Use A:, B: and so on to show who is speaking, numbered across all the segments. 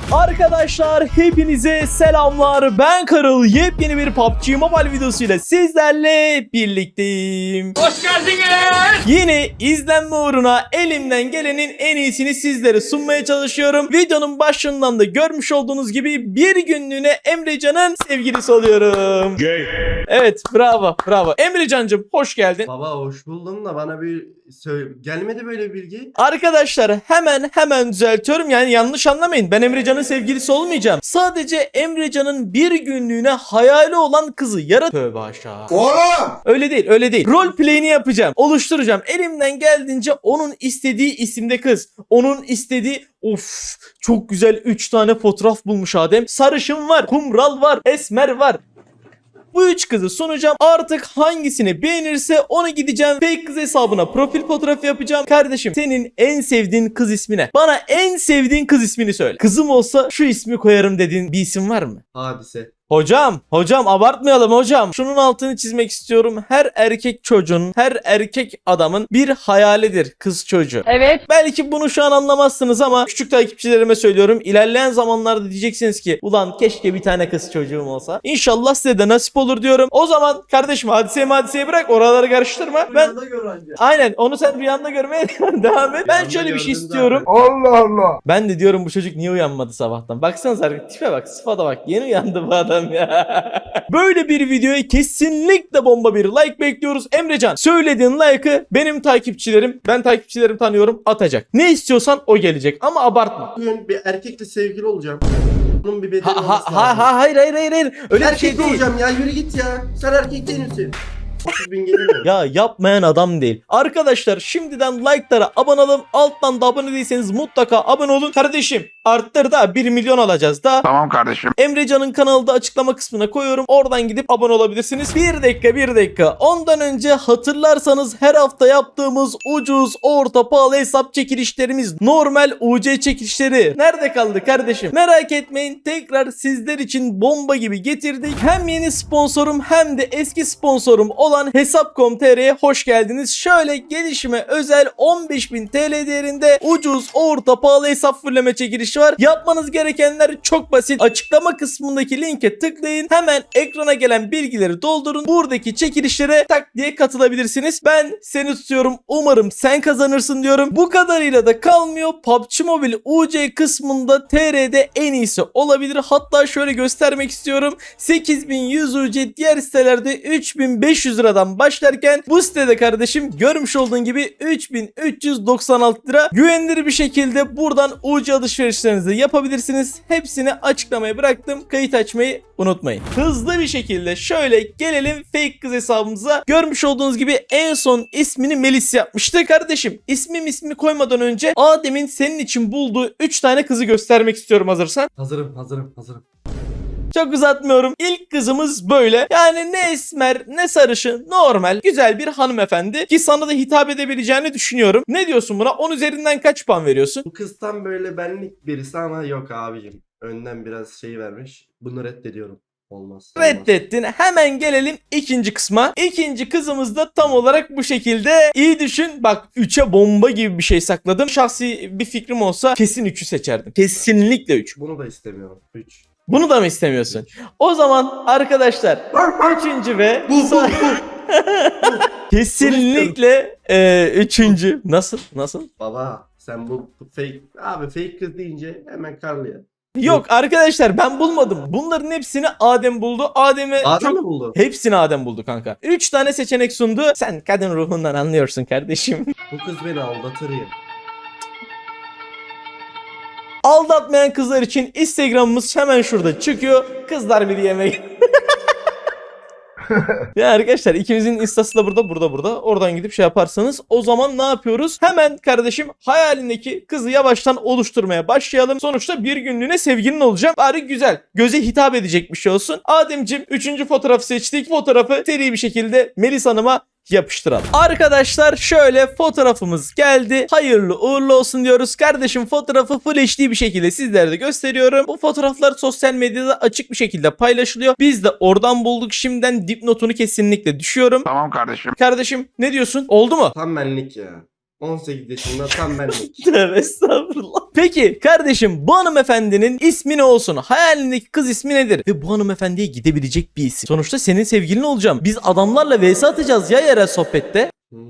A: Arkadaşlar hepinize selamlar. Ben Karıl. Yepyeni bir PUBG Mobile videosuyla sizlerle birlikteyim.
B: Hoş geldiniz.
A: Yine izlenme uğruna elimden gelenin en iyisini sizlere sunmaya çalışıyorum. Videonun başından da görmüş olduğunuz gibi bir günlüğüne Emrecan'ın sevgilisi oluyorum. Evet, bravo. Emrecan'cığım hoş geldin.
C: Baba hoş buldum da bana bir gelmedi böyle bir bilgi.
A: Arkadaşlar hemen düzeltiyorum, yani yanlış anlamayın, ben Emrecan'ın sevgilisi olmayacağım. Sadece Emrecan'ın bir günlüğüne hayali olan kızı tövbe aşağı. Öyle değil. Rol play'ini yapacağım, oluşturacağım. Elimden geldiğince onun istediği isimde kız. Onun istediği çok güzel 3 tane fotoğraf bulmuş Adem. Sarışın var, kumral var, esmer var. Bu 3 kızı sunacağım. Artık hangisini beğenirse onu gideceğim fake kız hesabına profil fotoğrafı yapacağım. Kardeşim, senin en sevdiğin kız ismi ne? Bana en sevdiğin kız ismini söyle. Kızım olsa şu ismi koyarım dediğin bir isim var mı?
C: Hadise.
A: Hocam abartmayalım hocam. Şunun altını çizmek istiyorum. Her erkek çocuğun, her erkek adamın bir hayalidir kız çocuğu.
B: Evet.
A: Belki bunu şu an anlamazsınız ama küçük takipçilerime söylüyorum. İlerleyen zamanlarda diyeceksiniz ki ulan keşke bir tane kız çocuğum olsa. İnşallah size de nasip olur diyorum. O zaman kardeşim hadiseyi bırak, oraları karıştırma. Aynen, onu sen rüyanda görmeye devam et. Ben şöyle bir şey istiyorum.
C: Allah Allah.
A: Ben de diyorum bu çocuk niye uyanmadı sabahtan? Baksanıza, tipe bak, sıfata bak. Yeni uyandı bu adam ya. Böyle bir videoya kesinlikle bomba bir like bekliyoruz. Emrecan, söylediğin like'ı benim takipçilerim, ben takipçilerim tanıyorum, atacak. Ne istiyorsan o gelecek ama abartma.
C: Bugün bir erkekle sevgili olacağım. Bunun bir bedeli olması lazım.
A: Hayır. Öyle bir
C: Erkek
A: şey değil.
C: olacağım ya, yürü git ya. Sen erkek değil misin? 30 bin gelir mi?
A: Ya yapmayan adam değil. Arkadaşlar şimdiden like'lara abone olun. Alttan da abone değilseniz mutlaka abone olun. Kardeşim arttır da 1 milyon alacağız da.
D: Tamam kardeşim.
A: Emrecan'ın kanalda açıklama kısmına koyuyorum. Oradan gidip abone olabilirsiniz. Bir dakika. Ondan önce hatırlarsanız her hafta yaptığımız ucuz, orta, pahalı hesap çekilişlerimiz, normal UC çekilişleri nerede kaldı kardeşim? Merak etmeyin, tekrar sizler için bomba gibi getirdik. Hem yeni sponsorum hem de eski sponsorum olan Hesap.com.tr'ye hoş geldiniz. Şöyle gelişime özel 15.000 TL değerinde ucuz, orta, pahalı hesap fırlama çekilişi var. Yapmanız gerekenler çok basit. Açıklama kısmındaki linke tıklayın. Hemen ekrana gelen bilgileri doldurun. Buradaki çekilişlere tak diye katılabilirsiniz. Ben seni tutuyorum. Umarım sen kazanırsın diyorum. Bu kadarıyla da kalmıyor. PUBG Mobile UC kısmında TR'de en iyisi olabilir. Hatta şöyle göstermek istiyorum. 8100 UC, diğer sitelerde 3500 liradan başlarken bu sitede kardeşim görmüş olduğun gibi 3396 lira. Güvenilir bir şekilde buradan UC alışverişlerinizi yapabilirsiniz. Hepsini açıklamaya bıraktım. Kayıt açmayı unutmayın. Hızlı bir şekilde şöyle gelelim fake kız hesabımıza. Görmüş olduğunuz gibi en son ismini Melis yapmıştı. Kardeşim ismi koymadan önce Adem'in senin için bulduğu 3 tane kızı göstermek istiyorum, hazırsan.
C: Hazırım.
A: Çok uzatmıyorum. İlk kızımız böyle. Yani ne esmer ne sarışın, normal güzel bir hanımefendi ki sana da hitap edebileceğini düşünüyorum. Ne diyorsun buna? 10 üzerinden kaç puan veriyorsun?
C: Bu kız tam böyle benlik birisi ama yok abicim. Önden biraz şey vermiş. Bunu reddediyorum. Olmaz.
A: Reddettin. Hemen gelelim ikinci kısma. İkinci kızımız da tam olarak bu şekilde. İyi düşün. Bak 3'e bomba gibi bir şey sakladım. Şahsi bir fikrim olsa kesin 3'ü seçerdim. Kesinlikle 3.
C: Bunu da istemiyorum. 3.
A: Bunu da mı istemiyorsun? O zaman arkadaşlar üçüncü ve kesinlikle üçüncü. Nasıl?
C: Baba sen bu fake abi, fake kız deyince hemen karlıyor.
A: Yok arkadaşlar, ben bulmadım. Bunların hepsini Adem buldu.
C: Adem
A: çok...
C: mi buldu?
A: Hepsini Adem buldu kanka. 3 tane seçenek sundu. Sen kadın ruhundan anlıyorsun kardeşim.
C: Bu kız beni aldatır ya.
A: Aldatmayan kızlar için Instagram'ımız hemen şurada çıkıyor. Kızlar bir yemek. Ya arkadaşlar ikimizin instası da burada. Oradan gidip şey yaparsanız o zaman ne yapıyoruz? Hemen kardeşim hayalindeki kızı yavaştan oluşturmaya başlayalım. Sonuçta bir günlüğüne sevgilin olacağım. Bari güzel, göze hitap edecek bir şey olsun. Ademciğim 3. fotoğrafı seçtik. Fotoğrafı seri bir şekilde Melis Hanım'a yapıştıralım. Arkadaşlar şöyle fotoğrafımız geldi. Hayırlı uğurlu olsun diyoruz. Kardeşim fotoğrafı Full HD bir şekilde sizlere de gösteriyorum. Bu fotoğraflar sosyal medyada açık bir şekilde paylaşılıyor. Biz de oradan bulduk. Şimdiden dipnotunu kesinlikle düşüyorum.
D: Tamam kardeşim.
A: Kardeşim ne diyorsun? Oldu mu?
C: Tam benlik ya. 18 yaşında tam benlik.
A: Tövbe estağfurullah. Peki kardeşim, bu hanımefendinin ismi ne olsun? Hayalindeki kız ismi nedir? Ve bu hanımefendiye gidebilecek bir isim. Sonuçta senin sevgilin olacağım. Biz adamlarla vs atacağız ya yerel sohbette.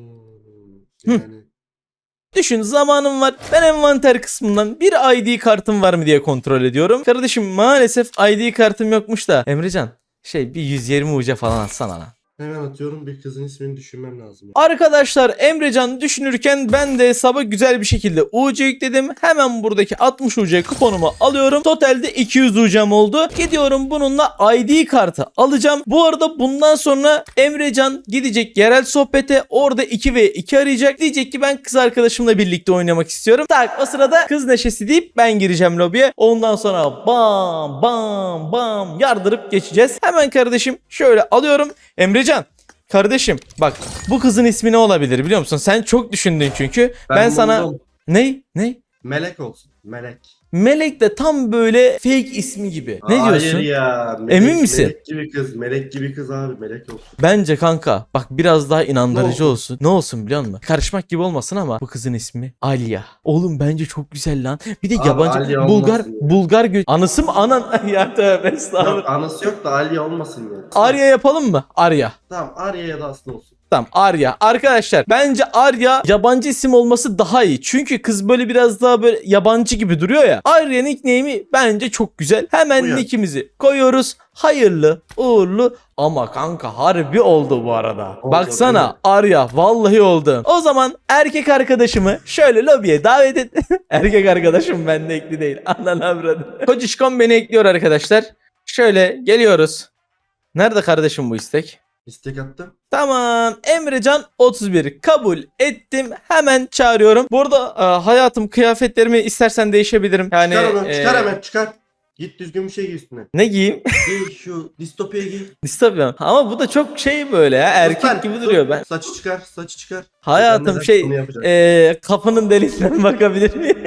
C: Yani
A: Düşün, zamanım var. Ben envanter kısmından bir ID kartım var mı diye kontrol ediyorum. Kardeşim maalesef ID kartım yokmuş da. Emrecan bir 120 uca falan atsana lan.
C: hemen atıyorum, bir kızın ismini düşünmem lazım.
A: Arkadaşlar Emrecan düşünürken ben de hesaba güzel bir şekilde UC yükledim. Hemen buradaki 60 UC kuponumu alıyorum. Totalde 200 UC'm oldu. Gidiyorum bununla ID kartı alacağım. Bu arada bundan sonra Emrecan gidecek yerel sohbete. Orada 2v2 arayacak. Diyecek ki ben kız arkadaşımla birlikte oynamak istiyorum. Tak, o sırada kız neşesi deyip ben gireceğim lobiye. Ondan sonra bam bam bam yardırıp geçeceğiz. Hemen kardeşim şöyle alıyorum. Emrecan kardeşim bak, bu kızın ismi ne olabilir biliyor musun? Sen çok düşündün çünkü. Ben sana
C: buldum.
A: ne?
C: Melek olsun. Melek.
A: Melek de tam böyle fake ismi gibi. Ne
C: Hayır
A: diyorsun?
C: ya.
A: Emin misin?
C: Melek gibi kız. Melek gibi kız abi. Melek olsun.
A: Bence kanka bak, biraz daha inandırıcı
C: Ne
A: olsun. Ne olsun biliyor musun? Karışmak gibi olmasın ama bu kızın ismi Alya. Oğlum bence çok güzel lan. Bir de
C: Abi,
A: yabancı
C: Alya
A: Bulgar
C: olmasın ya.
A: Bulgar anısı mı anan ya, tövbe
C: Yok,
A: estağfurullah.
C: anası yok da Alya olmasın yani.
A: Arya yapalım mı? Arya.
C: Tamam, Arya ya da Aslı olsun.
A: Tamam, Arya. Arkadaşlar bence Arya yabancı isim olması daha iyi. Çünkü kız böyle biraz daha böyle yabancı gibi duruyor ya. Arya nickname'i bence çok güzel. Hemen
C: Uyar.
A: nickimizi koyuyoruz. Hayırlı uğurlu. Ama kanka harbi oldu bu arada.
C: Oldu,
A: Baksana
C: evet.
A: Arya, vallahi oldu. O zaman erkek arkadaşımı şöyle lobiye davet et. Erkek arkadaşım bende ekli değil. Anan avradı. Kocişkom beni ekliyor arkadaşlar. Şöyle geliyoruz. Nerede kardeşim bu istek?
C: İstek attım.
A: Tamam, Emrecan 31 kabul ettim, hemen çağırıyorum. Bu arada hayatım, kıyafetlerimi istersen değişebilirim. Yani
C: Çıkar onu. Çıkar hemen çıkar. Git düzgün bir şey giy üstüne.
A: ne giyeyim?
C: Giy şu distopya giy.
A: Distopya. Ama bu da çok böyle ya, erkek
C: Lütfen,
A: gibi
C: sus.
A: duruyor ben.
C: Saçı çıkar. Saçı çıkar.
A: Hayatım
C: Ben de yapacağım.
A: kapının deliğinden bakabilir miyim?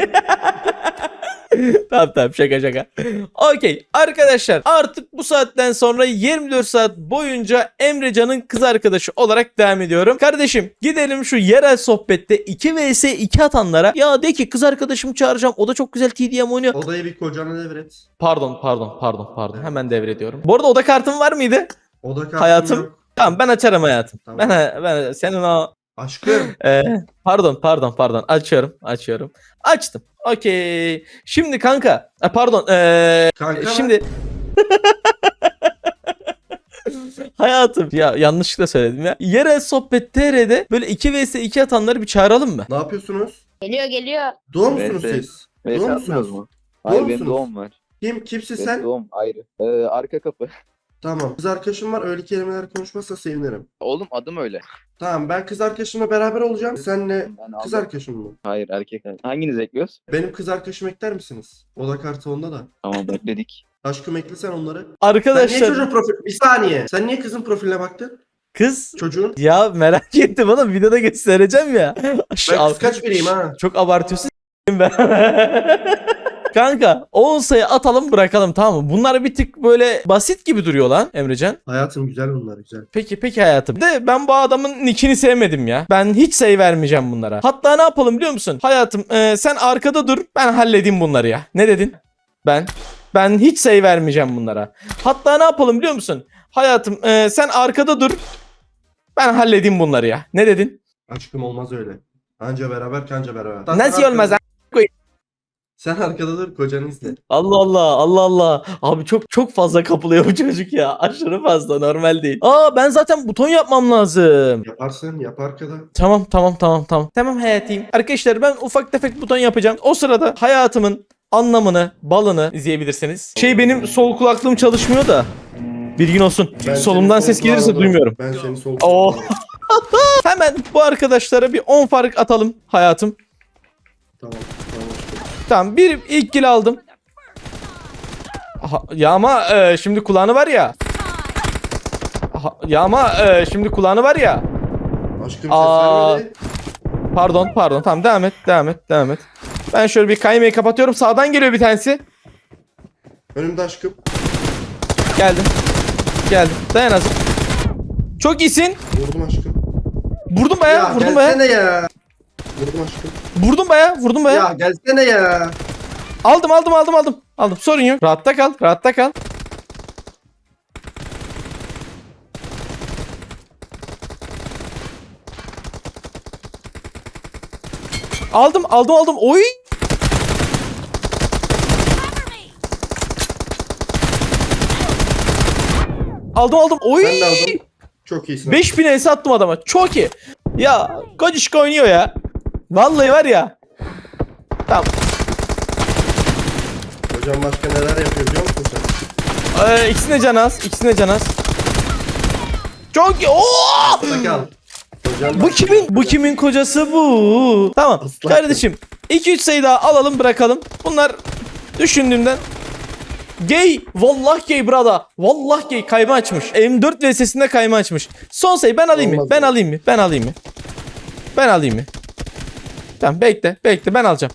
A: Tamam şaka. Okey arkadaşlar, artık bu saatten sonra 24 saat boyunca Emrecan'ın kız arkadaşı olarak devam ediyorum. Kardeşim gidelim şu yerel sohbette 2 vs 2 atanlara. Ya de ki kız arkadaşımı çağıracağım, o da çok güzel TDM oynuyor.
C: Odayı bir kocana devret.
A: Pardon. Hemen devrediyorum. Bu arada oda kartın var mıydı?
C: Oda kartım
A: Hayatım.
C: yok.
A: Tamam, ben açarım hayatım.
C: Tamam.
A: Ben senin o
C: Aşkım.
A: Pardon. Açıyorum. Açtım. Okey. Şimdi kanka.
C: Kanka
A: Şimdi hayatım ya, yanlışlıkla söyledim ya. Yerel sohbet TR'de böyle 2 vs 2 atanları bir çağıralım mı?
C: ne yapıyorsunuz?
B: Geliyor.
C: Doğum musunuz
D: Evet,
C: siz?
D: Evet,
C: Doğum
D: atmıyoruz
C: musunuz?
D: mu? Hayır,
C: Doğum
D: benim
C: musunuz?
D: doğum var.
C: Kimsin
D: Benim
C: sen?
D: doğum ayrı. Arka kapı.
C: Tamam. Kız arkadaşım var. Öyle kelimeler konuşmazsa sevinirim.
D: Oğlum adım öyle.
C: Tamam, ben kız arkadaşımla beraber olacağım. Senle
D: Ben
C: kız
D: aldım.
C: arkadaşım mı?
D: Hayır, erkek. Hanginiz ekliyoruz?
C: Benim kız arkadaşımı ekler misiniz? Oda kartı onda da.
D: Tamam, bekledik.
C: Aşkım eklesen onları. Sen niye
A: Arkadaşlar
C: çocuğun profil... Bir saniye. Sen niye kızın profiline baktın?
A: kız
C: Çocuğun.
A: ya, merak ettim oğlum, videoda göstereceğim ya.
C: Ben kıskaç biriyim ha.
A: Çok abartıyorsun ben. Kanka 10 sayı atalım bırakalım, tamam mı? Bunlar bir tık böyle basit gibi duruyor lan Emrecan.
C: Hayatım güzel bunlar, güzel.
A: Peki hayatım. De ben bu adamın nickini sevmedim ya. Ben hiç sayı vermeyeceğim bunlara. Hatta ne yapalım biliyor musun? Hayatım sen arkada dur, ben halledeyim bunları ya. Ne dedin? Ben hiç sayı vermeyeceğim bunlara. Hatta ne yapalım biliyor musun? Hayatım sen arkada dur, ben halledeyim bunları ya. Ne dedin?
C: Aşkım olmaz öyle. Anca beraber kanca beraber.
A: Nasıl
C: Sen
A: olmaz?
C: Sen arkada dur, kocanı izle.
A: Allah. Abi çok fazla kapılıyor bu çocuk ya. Aşırı fazla, normal değil. Ben zaten buton yapmam lazım.
C: Yaparsın, yap arkada.
A: Tamam. Tamam hayatım. Arkadaşlar ben ufak tefek buton yapacağım. O sırada hayatımın anlamını, balını izleyebilirsiniz. Benim sol kulaklığım çalışmıyor da. Bilgin olsun.
C: Ben
A: Solumdan
C: seni
A: ses gelirse
C: kulağına
A: duymuyorum.
C: Ben seni sol
A: Oo.
C: kulağına-
A: Hemen bu arkadaşlara bir 10 fark atalım hayatım.
C: Tamam.
A: Tamam, bir ilk kill aldım. Ya ama şimdi kulağını var ya. Şimdi kulağını var ya.
C: Aşkım ses
A: Aa.
C: vermedi.
A: Pardon. Tamam, devam et. Ben şöyle bir kaymayı kapatıyorum. Sağdan geliyor bir tanesi.
C: Önümde aşkım.
A: Geldim. Dayan azıcık. Çok iyisin.
C: Vurdum aşkım.
A: Vurdum bayağı.
C: Gelsene ya. Vurdum aşkım.
A: Vurdum baya.
C: Ya gelsene ya.
A: Aldım. Sorun yok. Rahatta kal. Aldım. Oy. Aldım. Oy.
C: Ben de aldım. Çok iyisin.
A: 5000 ES attım adama. Çok iyi. Ya Kocişka oynuyor ya. Vallahi var ya. Tamam.
C: Hocam başka neler yapıyor biliyor musun sen?
A: İkisine can az. Çok iyi. Oo!
C: Asla kal. Hocam
A: Bu kimin kocası bu? Tamam.
C: Aslan.
A: Kardeşim 2-3 sayı daha alalım bırakalım. Bunlar düşündüğümden gay. Vallahi gay brada. Vallahi gay kayma açmış. M4 VS'sinde kayma açmış. Son sayı ben alayım mı?
C: Olmaz
A: Ben
C: ya.
A: alayım mı? Tamam bekle ben alacağım.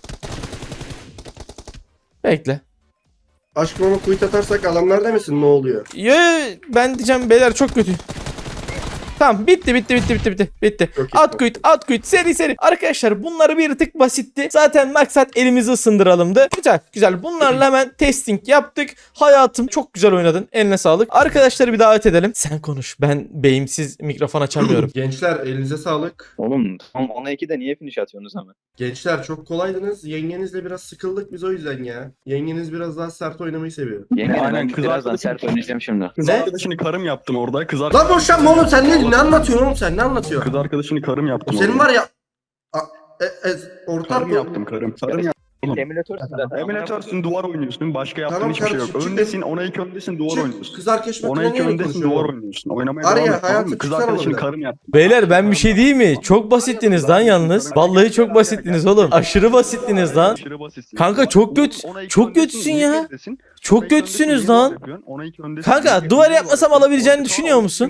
A: Bekle.
C: Aşkım ama kuyut atarsak adamlar demesin ne oluyor?
A: Ben diyeceğim beyler çok kötü. Tamam bitti.
C: Çok iyi.
A: At kuyut seri. Arkadaşlar bunları bir tık basitti. Zaten maksat elimizi ısındıralımdı. Güzel. Bunlarla hemen testing yaptık. Hayatım çok güzel oynadın. Eline sağlık. Arkadaşları bir davet edelim. Sen konuş. Ben beyimsiz mikrofon açamıyorum.
C: Gençler elinize sağlık.
D: Oğlum tam 10'a 2'de niye finish atıyorsunuz hemen?
C: Gençler çok kolaydınız. Yengenizle biraz sıkıldık biz o yüzden ya. Yengeniz biraz daha sert oynamayı seviyor.
D: Yenge
B: Aynen,
D: ben
B: kız
D: birazdan
B: arkadaşım-
D: sert oynayacağım şimdi.
B: Kız
C: Ne?
B: arkadaşını karım yaptım orada.
C: Lan boşanma oğlum sen ne anlatıyorsun oğlum sen ne anlatıyorsun?
B: Kız arkadaşını karım yaptım
C: Senin
B: orada.
C: var ya ortak
B: Karım yaptım karım. Karım yaptım.
D: Emülatörsün zaten.
B: Emülatörsün duvar oynuyorsun. Başka yaptığın
C: Tamam
B: hiçbir şey yok.
C: kardeşim, çık
B: Öndesin ona iki öndesin duvar
C: Çık
B: oynuyorsun.
C: kız arkadaşım
B: Ona iki öndesin duvar oynuyorsun. Oynamaya
C: Arya,
B: devam et. Tamam
C: hayatım,
B: mı? Kız
C: çıksana
B: arkadaşını
C: buradan.
B: karım yaptım.
A: Beyler ben bir şey diyeyim mi? Çok basittiniz lan yalnız. Vallahi çok basittiniz oğlum. Aşırı basittiniz lan.
B: Aşırı basitsin.
A: Kanka çok kötü.
B: Ona iki
A: Çok
B: öndesin,
A: kötüsün
B: niye
A: ya.
B: öndesin?
A: Çok
B: Ona iki
A: kötüsünüz
B: öndesin, niye
A: lan.
B: yapıyorsun? Ona iki öndesin,
A: Kanka,
B: niye
A: duvar
B: yapıyorsun?
A: yapmasam
B: Duvar
A: alabileceğini
B: yapıyorsun.
A: düşünüyor musun?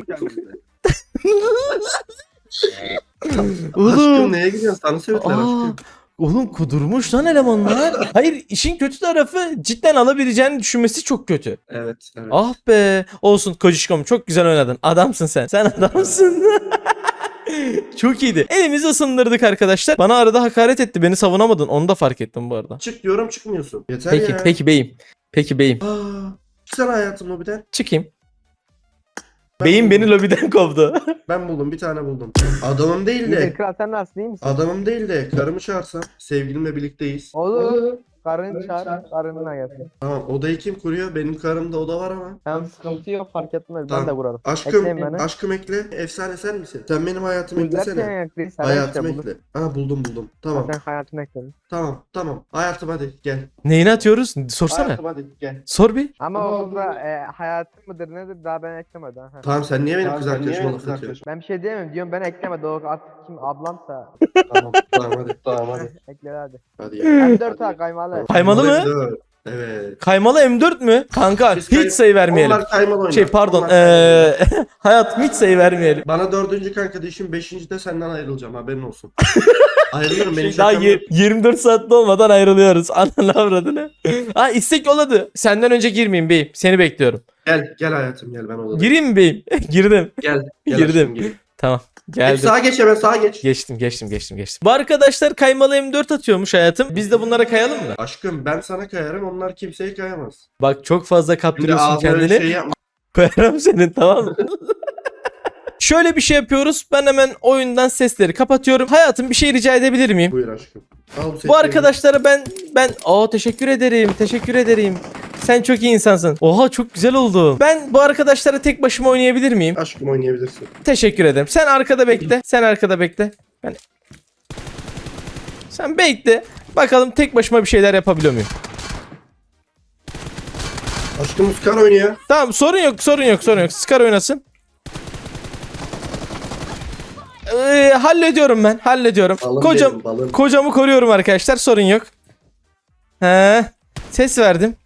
C: Aşkım
A: Oğlum.
C: neye gidiyorsun? Sana söylediler
A: Aa,
C: aşkım.
A: oğlum kudurmuş lan elemanlar. Hayır işin kötü tarafı cidden alabileceğini düşünmesi çok kötü.
C: Evet.
A: Ah be. Olsun Kocişkom çok güzel oynadın. Adamsın sen. Sen adamsın. Çok iyiydi. Elimizi ısındırdık arkadaşlar. Bana arada hakaret etti. Beni savunamadın. Onu da fark ettim bu arada.
C: Çık diyorum çıkmıyorsun. Yeter
A: Peki
C: ya.
A: peki beyim.
C: Çıksana hayatım lobiden.
A: Çıkayım.
C: Ben
A: Beyim
C: buldum.
A: beni lobiden kovdu.
C: Ben buldum bir tane buldum. Adamım değil de.
E: Kral sen nasılsın iyi misin?
C: Adamım değil de karımı çağırsam. Sevgilimle birlikteyiz.
E: Olur. Karını çağır, karınına gelsin.
C: Tamam odayı kim kuruyor? Benim karımda oda var ama.
E: Hem sıkıntı yok fark etmez
C: Tamam.
E: ben de kurarım.
C: Aşkım,
E: Ekleyin beni.
C: aşkım ekle. Efsane sen misin? Sen benim hayatımı
E: Bulacak
C: eklesene.
E: yani ekleyin. Sen
C: Hayatımı
E: işte bulur.
C: ekle. Ha buldum. Tamam.
E: Sen hayatını ekledin.
C: Tamam. Hayatım hadi gel.
A: Neyini atıyoruz? Sorsana.
C: Hayatım hadi gel.
A: Sor bir.
E: Ama orada hayatın mıdır nedir daha ben eklemedim. Ha.
C: Tamam sen niye benim kız arkadaşıma laf atıyorsun?
E: Ben bir şey diyemem diyorum ben eklemedim. O artık kim ablamsa
C: Tamam hadi.
E: ekle hadi.
C: Hadi ya.
E: Hem 4 ha kaymalı.
A: Kaymalı mı?
C: Dört. Evet.
A: Kaymalı M4 mü? Kanka
C: Biz
A: hiç sayı vermeyelim.
C: Onlar kaymalı oynar.
A: Şey pardon.
C: Onlar kaymalı.
A: Hayatım hiç sayı vermeyelim.
C: Bana 4. kanka değişim 5. de senden ayrılacağım haberin olsun. Ayrılırım beni
A: Daha
C: şakam yok.
A: 24 saatte olmadan ayrılıyoruz. Ananı avradını. Ha istek yolladı. Senden önce girmeyeyim beyim. Seni bekliyorum.
C: Gel hayatım gel ben odadayım.
A: Gireyim mi beyim? Girdim.
C: Gel
A: Girdim.
C: aşkım, gel.
A: Tamam.
C: Hep
A: Geldim.
C: sağa geç hemen sağa geç.
A: Geçtim. Bu arkadaşlar kaymalı M4 atıyormuş hayatım. Biz de bunlara kayalım mı?
C: Aşkım ben sana kayarım onlar kimseye kayamaz.
A: Bak çok fazla
C: Şimdi
A: kaptırıyorsun
C: ağzına öyle
A: kendini.
C: şey yapma.
A: Koyarım senin tamam mı? Şöyle bir şey yapıyoruz. Ben hemen oyundan sesleri kapatıyorum. Hayatım bir şey rica edebilir miyim?
C: Buyur aşkım. Al bu
A: Bu arkadaşlara ben teşekkür ederim. Sen çok iyi insansın. Oha çok güzel oldu. Ben bu arkadaşlara tek başıma oynayabilir miyim?
C: Aşkım oynayabilirsin.
A: Teşekkür ederim. Sen arkada bekle. Sen bekle. Bakalım tek başıma bir şeyler yapabiliyor muyum?
C: Aşkım Uskar oynuyor.
A: Tamam sorun yok. Scar oynasın. Hallediyorum ben.
C: Balın
A: Kocam,
C: benim, balın.
A: kocamı koruyorum arkadaşlar. Sorun yok. Ses verdim.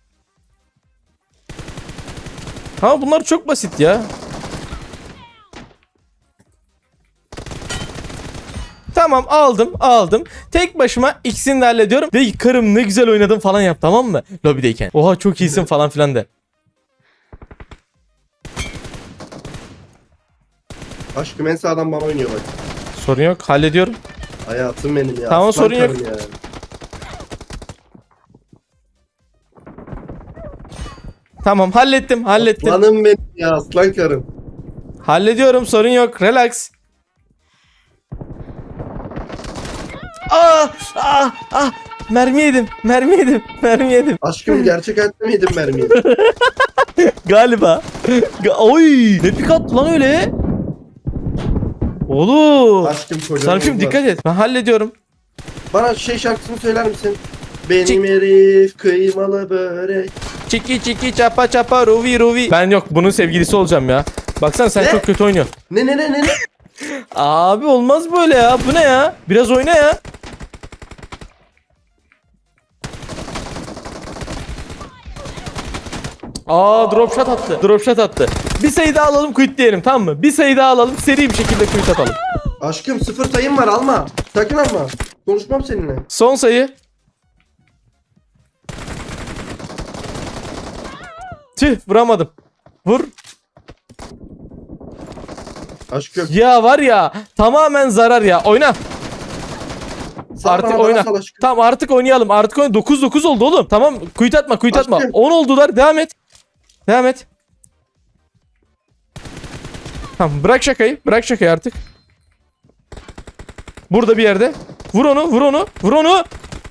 A: Ha bunlar çok basit ya. Tamam aldım. Tek başıma ikisini de hallediyorum. Ve karım ne güzel oynadın falan yap tamam mı? Lobideyken. Oha çok iyisin falan filan de.
C: Aşkım en sağdan bana oynuyor bak.
A: Sorun yok hallediyorum.
C: Hayatım benim ya.
A: Tamam,
C: aslan
A: sorun yok.
C: karım ya.
A: Tamam, hallettim.
C: Aslanım benim ya, aslan karım.
A: Hallediyorum, sorun yok. Relax. Mermi yedim.
C: Aşkım gerçek hayatta mı yedin mermiyi?
A: Galiba. Oy! Ne pik attı lan öyle? Oğlum.
C: Aşkım kocaman.
A: Sarp'cığım
C: var.
A: dikkat et. Ben hallediyorum.
C: Bana şarkısını söyler misin? Benim
A: Çık.
C: herif kıymalı börek.
A: Çiki çiki çapa çapa ruvi ruvi. Ben yok, bunun sevgilisi olacağım ya. Baksana sen
C: Ne?
A: çok kötü oynuyorsun.
C: Ne?
A: Abi olmaz böyle ya. Bu ne ya? Biraz oyna ya. Drop shot attı. Bir sayı daha alalım, quit diyelim, tamam mı? Bir sayı daha alalım, seri bir şekilde quit atalım.
C: Aşkım 0 sayım var, alma. Sakın alma. Konuşmam seninle.
A: Son sayı. Tüh, vuramadım. Vur.
C: Aşkım.
A: Ya var ya, tamamen zarar ya. Oyna.
C: Sal
A: Artık
C: bana,
A: oyna.
C: bana sal aşkım.
A: Tamam, artık oynayalım. 9-9 oldu oğlum. Tamam, quit atma.
C: Aşkım.
A: 10 oldular. Devam et. Tamam, bırak şakayı artık. Burada bir yerde. Vur onu.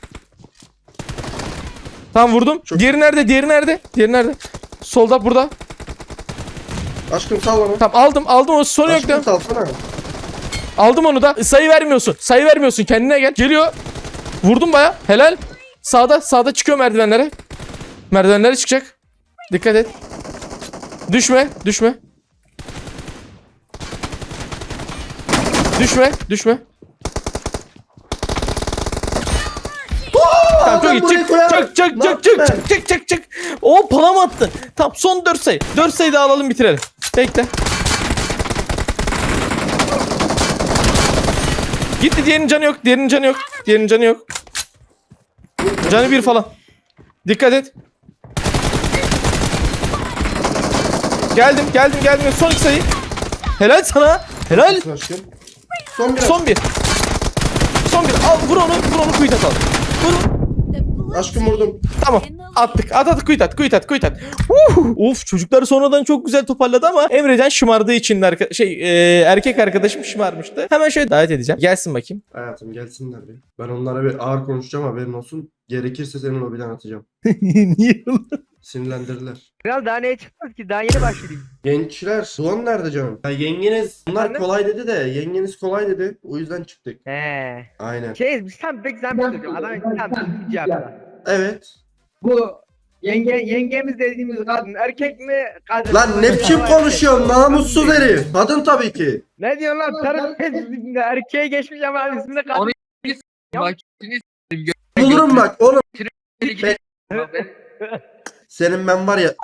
A: Tamam, vurdum.
C: Çok-
A: Diğeri nerede? Solda, burada.
C: Aşkım sal bana.
A: Tamam, aldım o sorun yok
C: Aşkım
A: da.
C: salsana.
A: Aldım onu da. Sayı vermiyorsun. Kendine gel. Geliyor. Vurdum baya. Helal. Sağda çıkıyor merdivenlere. Merdivenlere çıkacak. Dikkat et. Düşme. Düşme. Tamam, çok
C: ben
A: iyi.
C: buraya
A: Çık.
C: koyarım.
A: Çık.
C: Ne yaptın ben?
A: Çık. O palam attın. Tamam, son 4 sayı. 4 sayı daha alalım, bitirelim. Bekle. Gitti, diğerinin canı yok. Canı bir falan. Dikkat et. Geldim. Son 2 sayı. Helal sana. Helal.
C: Aşkım. Son biraz.
A: Son bir. Al, vur onu quit atalım. Vur.
C: Aşkım vurdum.
A: Tamam. Attık. At, quit at. Of, çocuklar sonradan çok güzel toparladı ama Emrecan şımardığı için erkek arkadaşım şımarmıştı. Hemen şöyle davet edeceğim. Gelsin bakayım.
C: Hayatım gelsinler bir. Ben onlara bir ağır konuşacağım, haberin olsun. Gerekirse senin lobiden atacağım.
A: Niye?
C: Sinirlendirdiler.
E: Kral daha neye çıkmaz ki? Daha yeni başladık.
C: Gençler, Doğan nerede canım? Ya yengeniz, bunlar
E: Efendim?
C: kolay dedi de yengeniz kolay dedi. O yüzden çıktık.
E: He.
C: Aynen.
E: Biz tam pek zahmet ediyorum. Adam tam bir cevap.
C: Evet.
E: Bu yengemiz dediğimiz kadın erkek mi? Kadın
C: Lan
E: mı?
C: ne biçim konuşuyorsun namussuz herif. Kadın tabii ki.
E: Ne diyorsun lan? Tarım erkeğe geçmiş ama ismini kadın.
F: Onu
C: Bulurum bak oğlum.
F: Gö-
C: Senin ben var ya.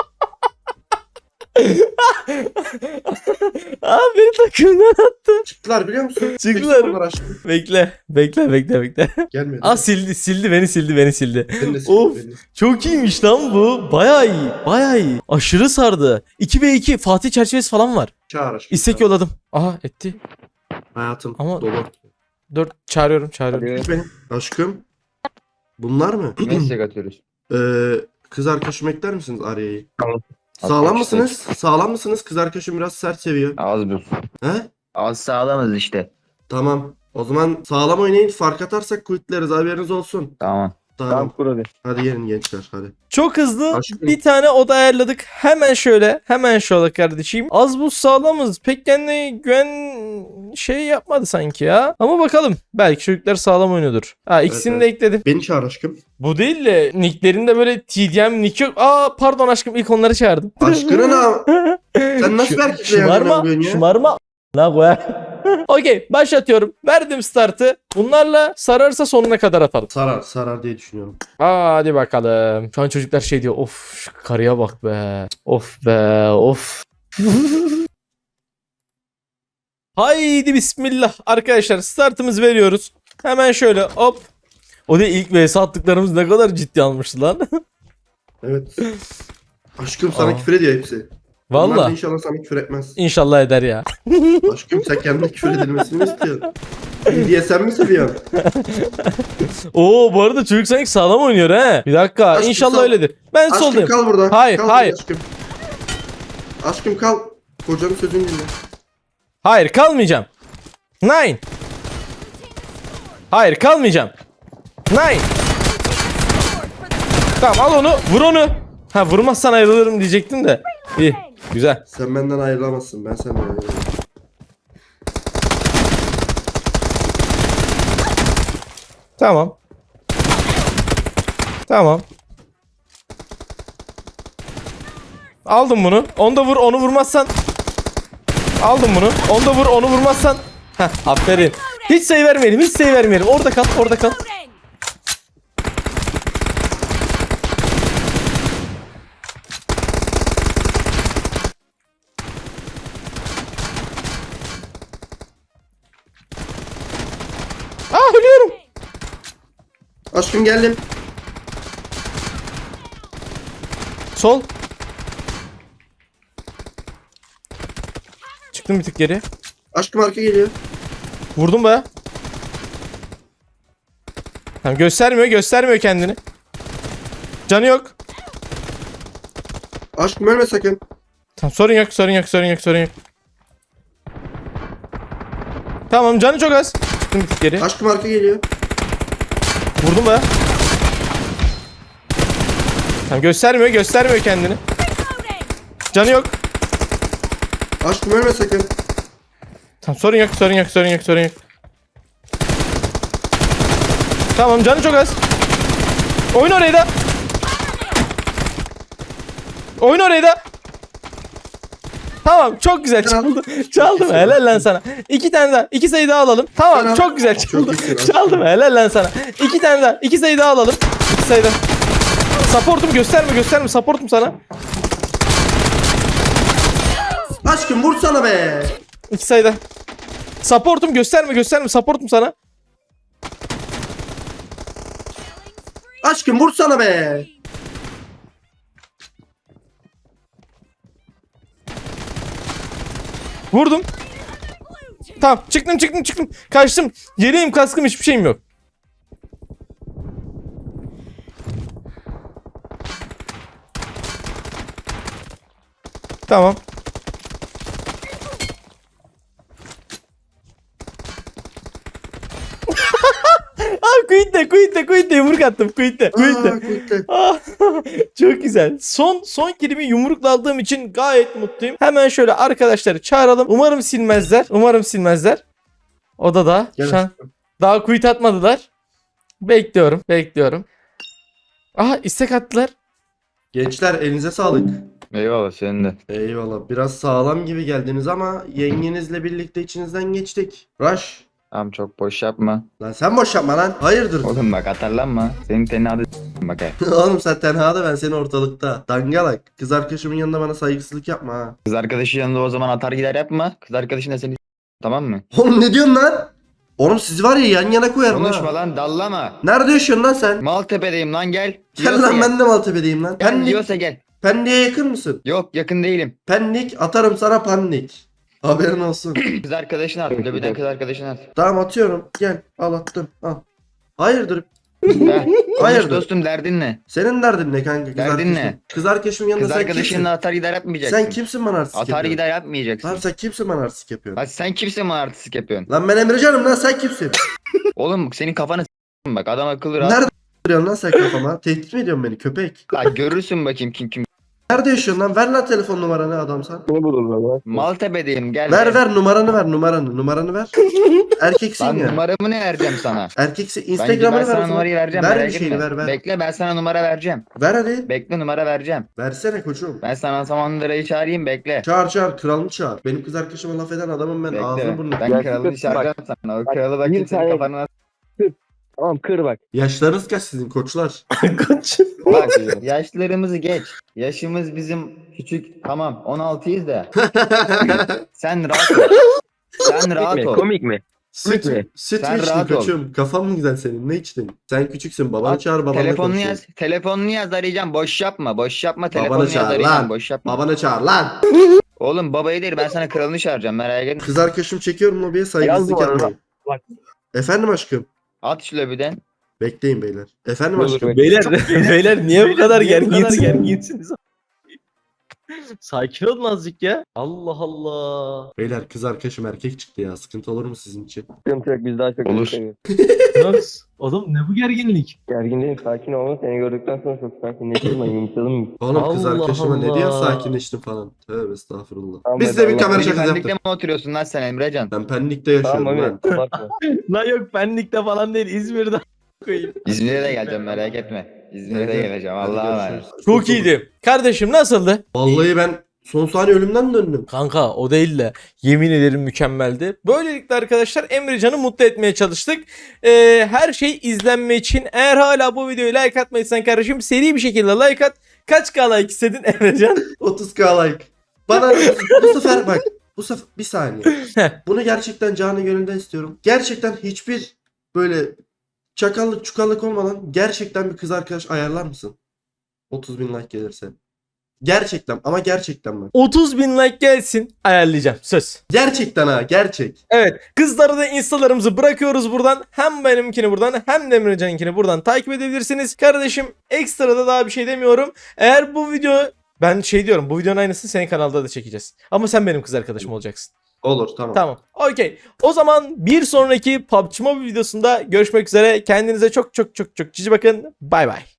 A: Aa, beni takımdan attı.
C: Çıktılar biliyor musun?
A: Çıktılar.
C: Seçtim onları aşkım.
A: Bekle.
C: Gelmedi.
A: Aa, sildi beni.
C: Beni de sildi,
A: Of.
C: beni.
A: Çok iyiymiş lan bu. Bayağı iyi. Aşırı sardı. 2v2 Fatih çerçevesi falan var.
C: Çağır aşkım.
A: İstek yolladım. Aha, etti.
C: Hayatım
A: Ama-
C: dolu.
A: 4 çağırıyorum.
C: Git beni. Aşkım. Bunlar mı?
D: Mesaj atıyoruz.
C: Kız arkadaşım ekler misiniz Arya'yı?
D: Tamam.
C: Sağlam
D: Atmak
C: mısınız? Sağlam mısınız? Kız arkadaşım biraz sert seviyor.
D: Az bir.
C: He?
D: Az sağlamız işte.
C: Tamam. O zaman sağlam oynayın. Fark atarsak quitleriz. Haberiniz olsun.
D: Tamam.
C: Tamam.
E: kur hadi.
C: Hadi gelin gençler hadi.
A: Çok hızlı
C: Aşkım.
A: bir tane oda ayarladık. Hemen şöyle kardeşim. Az buz sağlamız. Pek kendine güven yapmadı sanki ya. Ama bakalım. Belki çocuklar sağlam oynuyordur. Ha, ikisini
C: Evet,
A: de ekledim.
C: Beni çağır aşkım.
A: Bu değil de nicklerinde böyle TDM nick yok. Aa, pardon aşkım, ilk onları çağırdım.
C: Aşkına na. Sen nasıl bir erkekle yan yana bugün ya?
A: Şımarma. Ne koya? Okey, başlatıyorum. Verdim startı. Bunlarla sararsa sonuna kadar atalım.
C: Sarar diye düşünüyorum.
A: Hadi bakalım. Şu an çocuklar diyor. Of, şu karıya bak be. Of be, of. Haydi bismillah. Arkadaşlar, startımızı veriyoruz. Hemen şöyle hop. O da ilk vs attıklarımız ne kadar ciddi almıştı lan.
C: Evet. Aşkım sana
A: Aa.
C: küfür ediyor hepsi. Onlar da
A: Valla.
C: inşallah sana küfür etmez.
A: İnşallah eder ya.
C: Aşkım sen kendine küfür edilmesini mi istiyorsun? BDSM mi seviyorsun?
A: Oo bu arada çocuk sanki sağlam oynuyor he. Bir dakika
C: Aşkım,
A: inşallah
C: sağ-
A: öyledir. Ben
C: Aşkım
A: soldayım.
C: kal burada.
A: Hayır,
C: Kal
A: hayır.
C: burada aşkım. Aşkım kal. Kocanın sözünü dinle.
A: Hayır kalmayacağım. Nine. Hayır kalmayacağım. Nine. Tamam al onu vur onu. Ha vurmazsan ayrılırım diyecektim de. İyi güzel.
C: Sen benden ayrılamazsın. Ben senden ayrılamam.
A: Tamam. Tamam. Aldım bunu. Onu da vur onu vurmazsan. Aldım bunu. Onu da vur onu vurmazsan. Heh aferin. Hiç sayı vermeyelim hiç sayı vermeyelim. Orada kal orada kal. Ölüyorum.
C: Aşkım geldim.
A: Sol. Çıktım bir tık geri.
C: Aşkım arka geliyor.
A: Vurdum baya. Tamam göstermiyor kendini. Canı yok.
C: Aşkım ölme sakın.
A: Tamam sorun yok. Tamam canı çok az. Çıktım bir tık geri.
C: Aşkım arka geliyor.
A: Vurdum baya. Tamam göstermiyor kendini. Canı yok.
C: Aşkım ölme sakın.
A: Tamam sorun yok. Tamam canı çok az. Oyun orayı da. Tamam çok güzel çaldım helal lan sana. 2 tane daha 2 sayı daha alalım. Tamam
C: Sen al.
A: çok güzel
C: Çok
A: çaldım.
C: iyisin aşkım.
A: Çaldım helal lan sana. 2 tane daha 2 sayı daha alalım. 2 sayı daha. Supportum gösterme supportum sana.
C: Aşkım vursana be.
A: 2 sayı daha. Supportum gösterme supportum sana.
C: Aşkım vursana be.
A: Vurdum. Tamam çıktım. Kaçtım. Yeleğim kaskım hiçbir şeyim yok. Tamam. Quit'te yumruk attım quit'te.
C: Quitte.
A: Ah, çok güzel. Son kilimi yumrukla aldığım için gayet mutluyum. Hemen şöyle arkadaşları çağıralım. Umarım silmezler. Odada.
C: Gel
A: Şu an
C: aşkım.
A: daha quit atmadılar. Bekliyorum. Aha istek attılar.
C: Gençler elinize sağlık.
D: Eyvallah senin de.
C: Eyvallah. Biraz sağlam gibi geldiniz ama yengenizle birlikte içinizden geçtik. Rush.
D: Tamam çok boş yapma.
C: Lan sen boş yapma lan. Hayırdır?
D: Oğlum bak atarlanma. Senin tenhada bak he.
C: Oğlum sen tenhada ben seni ortalıkta. Dangalak. Kız arkadaşımın yanında bana saygısızlık yapma ha.
D: Kız arkadaşı yanında o zaman atar gider yapma. Kız arkadaşın da seni tamam mı?
C: Oğlum ne diyorsun lan? Oğlum sizi var ya yan yana koyarım
D: Konuşma
C: ha.
D: lan dallama.
C: Nerede yaşıyorsun lan sen?
D: Maltepe'deyim lan gel.
C: Gel
D: Diyorsa
C: lan
D: gel.
C: ben de Maltepe'deyim lan.
D: Gel
C: Pendik.
D: diyorsa gel.
C: Pendik'e yakın mısın?
D: Yok yakın değilim.
C: Pendik atarım sana pandik. Haberin olsun.
D: Kız arkadaşını at. Lobiden kız arkadaşını at.
C: Tamam atıyorum. Gel al attım. Al. Hayırdır?
D: Heh, konuş
C: Hayırdır?
D: dostum derdin ne?
C: Senin derdin ne kanka? Kız
D: Derdin
C: arkadaşım.
D: ne?
C: Kız arkadaşımın yanında
D: Kız
C: sen kimsin?
D: arkadaşınla atar gider yapmayacaksın.
C: Sen kimsin bana artistik
D: Atar
C: yapıyorsun?
D: gider yapmayacaksın.
C: Lan sen kimsin bana artistik yapıyorsun?
D: Lan sen kimsin bana artistik yapıyorsun?
C: Lan ben Emrecan'ım lan sen kimsin?
D: Oğlum senin kafanı bak adam akıllı rahat.
C: Nerede duruyorsun lan sen kafama? Tehdit mi ediyorsun beni köpek?
D: Lan görürsün bakayım kim.
C: Nerede yaşıyorsun lan? Ver lan telefon numaranı adamsan.
D: Maltepe'deyim gel.
C: Ver numaranı ver. Erkeksin
D: Lan
C: ya.
D: numaramı ne vereceğim sana?
C: Erkeksin
D: Ben
C: Instagram'ını ver
D: sana
C: o zaman.
D: numarayı vereceğim
C: Ver
D: merak
C: bir şeyini
D: etme.
C: ver.
D: Bekle ben sana numara vereceğim.
C: Ver hadi.
D: Bekle numara vereceğim.
C: Versene koçum.
D: Ben sana Samandıra'yı çağırayım bekle.
C: Çağır kralını çağır. Benim kız arkadaşıma laf eden adamım ben. Ağzını
D: Bekle.
C: burnunu.
D: Ben kralı çağıracağım sana. O kralı bakayım senin kafana.
E: Tamam kır bak.
C: Yaşlarınız kaç sizin koçlar?
D: Bak yaşlarımızı geç. Yaşımız bizim küçük. Tamam 16'yız da. Sen rahat ol. Sen rahat ol.
E: Komik mi?
C: Süt
E: mi?
C: Süt
D: Sen
C: mü içtin
D: rahat ol.
C: koçum? Kafan mı güzel senin? Ne içtin? Sen küçüksün. Babanı
D: Bak,
C: çağır babanla
D: Telefonunu
C: konuşuyor.
D: yaz. Telefonunu yaz arayacağım. Boş yapma.
C: Babanı
D: Telefonunu yaz
C: çağır
D: arayacağım.
C: lan.
D: Boş yapma.
C: Babanı çağır lan.
D: Oğlum babayı değil ben sana kralını çağıracağım merak etme.
C: Kız arkadaşım çekiyorum lobiye saygısızlık
E: Yaz bu arada.
C: yapmayın. Efendim aşkım.
D: At şu lobiden.
C: Bekleyin beyler. Efendim
F: Olur,
C: aşkım.
A: Beyler beyler niye bu kadar gerginsiniz? Sakin olun azıcık ya. Allah Allah.
C: Beyler kız arkadaşım erkek çıktı ya. Sıkıntı olur mu sizin için?
F: Sıkıntı yok biz daha çok
D: Olur.
F: seviyoruz.
A: Nasıl? Oğlum ne bu gerginlik?
F: Gergin değilim sakin olun. Seni gördükten sonra çok sakinleştim ben yumuşadım.
C: Oğlum kız
A: Allah
C: arkadaşıma ne diye
A: Allah.
C: sakinleştim falan. Tövbe estağfurullah.
F: Tamam,
C: Biz de bir
F: hadi
C: kamera
F: Allah.
C: şakası
D: Pendik'te
C: yaptık.
D: mi oturuyorsun lan sen Emrecan?
C: Ben Pendik'te yaşıyorum
F: Tamam
C: ben.
F: Mami abartma.
A: Lan yok benlikte falan değil İzmir'de koyayım.
D: İzmir'e de geleceğim merak etme. İzmir'e de geleceğim Allah'a emanet.
A: Çok iyiydi. Kardeşim nasıldı?
C: Vallahi ben son saniye ölümden döndüm.
A: Kanka o değil de yemin ederim mükemmeldi. Böylelikle arkadaşlar Emrecan'ı mutlu etmeye çalıştık. Her şey izlenme için. Eğer hala bu videoyu like atmadıysan kardeşim seri bir şekilde like at. Kaç k like istedin Emrecan?
C: 30k like. Bana bu sefer bak. Bu sefer bir saniye. Bunu gerçekten canı gönülden istiyorum. Gerçekten hiçbir böyle çakallık çukallık olmadan gerçekten bir kız arkadaş ayarlar mısın? 30.000 like gelirse. Gerçekten ama gerçekten bak.
A: 30.000 like gelsin ayarlayacağım söz.
C: Gerçekten ha gerçek.
A: Evet kızlara da instalarımızı bırakıyoruz buradan. Hem benimkini buradan hem de Emrecan'ınkini buradan takip edebilirsiniz. Kardeşim ekstra da daha bir şey demiyorum. Eğer bu video ben şey diyorum bu videonun aynısını senin kanalda da çekeceğiz. Ama sen benim kız arkadaşım olacaksın.
C: Olur tamam.
A: Tamam. Okey. O zaman bir sonraki PUBG Mobile videosunda görüşmek üzere. Kendinize çok çok çok çok cici bakın. Bay bay.